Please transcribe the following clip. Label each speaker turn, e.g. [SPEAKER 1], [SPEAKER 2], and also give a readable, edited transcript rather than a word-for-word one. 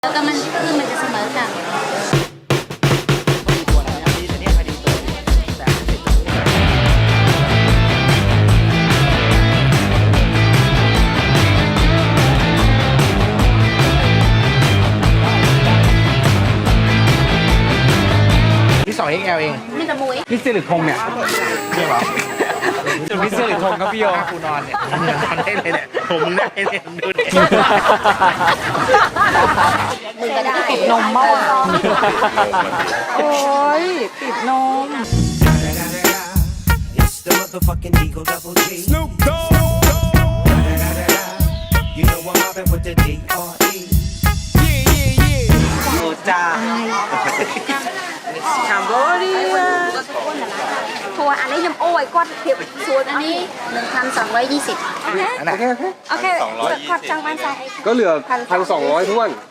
[SPEAKER 1] แล้วก็มันคือมันจะเสมอกัน
[SPEAKER 2] ที่2 XL เอง
[SPEAKER 1] นี่กับมุ้ย
[SPEAKER 3] นี่สิริพงษ์เนี่ย
[SPEAKER 2] จริงเหรอ
[SPEAKER 3] จุดวิสิริพงษ์ครับพี่โย
[SPEAKER 2] กูนอนเนี่ยนอนได้เลยเนี่ยผมได้เนี่ยดูดิ
[SPEAKER 1] มือก็ได้
[SPEAKER 4] ติดนมเมื่อวานโอ้ยติดนม
[SPEAKER 5] It's the motherfucking Eagle Double G. Snoop Dogg. You know I'm mobbing with the D.R.E.
[SPEAKER 2] โอ้จ้า
[SPEAKER 4] ถามก็ดีอ่ะทัวร์อันนี้ยำโอ้ยก้อนเทียบส่วน
[SPEAKER 1] อั
[SPEAKER 4] อั
[SPEAKER 1] น
[SPEAKER 4] น
[SPEAKER 1] นี้
[SPEAKER 4] นี้
[SPEAKER 1] 1,220
[SPEAKER 2] อันไหน
[SPEAKER 4] โอเคขอดจังมันใส่
[SPEAKER 3] ก็เหลือ1,200ท้วน